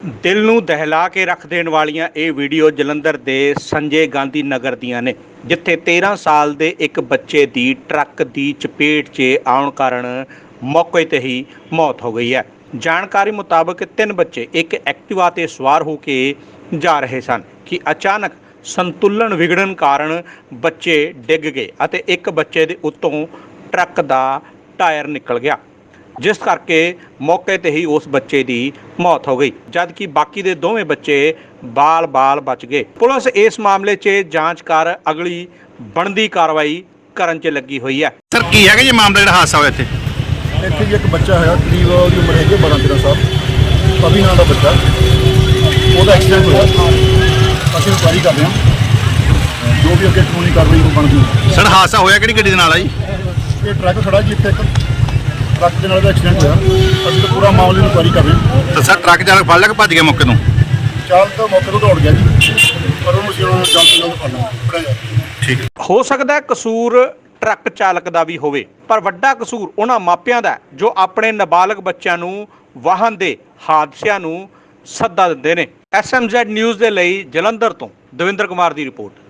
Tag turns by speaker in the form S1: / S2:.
S1: ਦਿਲ ਨੂੰ ਦਹਿਲਾ ਕੇ ਰੱਖ ਦੇਣ ਵਾਲੀਆਂ ਇਹ ਵੀਡੀਓ ਜਲੰਧਰ ਦੇ ਸੰਜੇ ਗਾਂਧੀ ਨਗਰ ਦੀਆਂ ਨੇ, ਜਿੱਥੇ 13 ਸਾਲ ਦੇ ਇੱਕ ਬੱਚੇ ਦੀ ਟਰੱਕ ਦੀ ਚਪੇਟ 'ਚ ਆਉਣ ਕਾਰਨ ਮੌਕੇ ਤੇ ਹੀ ਮੌਤ ਹੋ ਗਈ ਹੈ। ਜਾਣਕਾਰੀ ਮੁਤਾਬਕ 3 ਬੱਚੇ ਇੱਕ ਐਕਟਿਵਾ ਤੇ ਸਵਾਰ ਹੋ ਕੇ ਜਾ ਰਹੇ ਸਨ ਕਿ ਅਚਾਨਕ ਸੰਤੁਲਨ ਵਿਗੜਨ ਕਾਰਨ ਬੱਚੇ ਡਿੱਗ ਗਏ ਅਤੇ ਇੱਕ ਬੱਚੇ ਦੇ ਉੱਤੋਂ ਟਰੱਕ ਦਾ ਟਾਇਰ ਨਿਕਲ ਗਿਆ, ਜਿਸ ਕਰਕੇ ਮੌਕੇ ਤੇ ਹੀ ਉਸ ਬੱਚੇ ਦੀ ਮੌਤ ਹੋ ਗਈ, ਜਦਕਿ ਬਾਕੀ ਦੇ ਦੋਵੇਂ ਬੱਚੇ ਬਾਲ ਬਚ ਗਏ। ਪੁਲਿਸ ਇਸ ਮਾਮਲੇ 'ਚ ਜਾਂਚ ਕਰ ਅਗਲੀ ਬਣਦੀ ਕਾਰਵਾਈ ਕਰਨ 'ਚ ਲੱਗੀ ਹੋਈ ਹੈ।
S2: ਸਰ ਕੀ ਹੈਗਾ ਜੀ ਮਾਮਲਾ ਜਿਹੜਾ ਹਾਦਸਾ ਹੋਇਆ ਇੱਥੇ
S3: ਜੀ ਇੱਕ ਬੱਚਾ ਹੈਗਾ, ਕਰੀਬ ਉਹਦੀ ਉਮਰ ਹੈਗੀ 12-13 ਸਾਲ, ਅਭੀ ਨਾਂ ਦਾ ਬੱਚਾ, ਉਹਦਾ ਐਕਸੀਡੈਂਟ ਹੋਇਆ। ਅਸੀਂ ਇਨਕੁਆਇਰੀ ਕਰ ਰਹੇ ਹਾਂ, ਜੋ ਵੀ ਅੱਗੇ ਕਾਨੂੰਨੀ ਕਾਰਵਾਈ ਉਹ ਬਣਦੀ ਹੈ।
S2: ਸਰ ਹਾਦਸਾ ਹੋਇਆ ਕਿਹੜੀ ਗੱਡੀ ਦੇ ਨਾਲ ਆ ਜੀ?
S3: ਇਹ ਟਰੱਕ ਖੜਾ ਜੀ, ਇੱਥੇ ਇੱਕ ਟਰੱਕ ਦੇ ਨਾਲ ਦਾ ਐਕਸੀਡੈਂਟ ਹੋਇਆ। ਅਸੀਂ ਤਾਂ ਪੂਰਾ ਮਾਮਲੇ ਦੀ ਇਨਕੁਆਇਰੀ ਕਰ ਰਹੇ ਹਾਂ।
S2: ਤਾਂ ਸਰ ਟਰੱਕ ਚਾਲਕ ਫੜ ਲਿਆ ਕਿ ਭੱਜ ਗਿਆ ਮੌਕੇ ਤੋਂ?
S3: ਚਾਲਕ ਤਾਂ ਮੌਕੇ ਤੋਂ ਦੌੜ ਗਿਆ ਜੀ, ਪਰ ਉਹਨੂੰ ਅਸੀਂ ਜਲਦ ਤੋਂ ਜਲਦ ਫੜਨਾ ਹੈ।
S2: ਠੀਕ।
S1: ਹੋ ਸਕਦਾ ਹੈ ਕਸੂਰ ਟਰੱਕ ਚਾਲਕ ਦਾ ਵੀ ਹੋਵੇ, ਪਰ ਵੱਡਾ ਕਸੂਰ ਉਹਨਾਂ ਮਾਪਿਆਂ ਦਾ ਜੋ ਆਪਣੇ ਨਾਬਾਲਗ ਬੱਚਿਆਂ ਨੂੰ ਵਾਹਨ ਦੇ ਹਾਦਸਿਆਂ ਨੂੰ ਸੱਦਾ ਦਿੰਦੇ ਨੇ। SMZ ਨਿਊਜ਼ ਦੇ ਲਈ ਜਲੰਧਰ ਤੋਂ ਦਵਿੰਦਰ ਕੁਮਾਰ ਦੀ ਰਿਪੋਰਟ।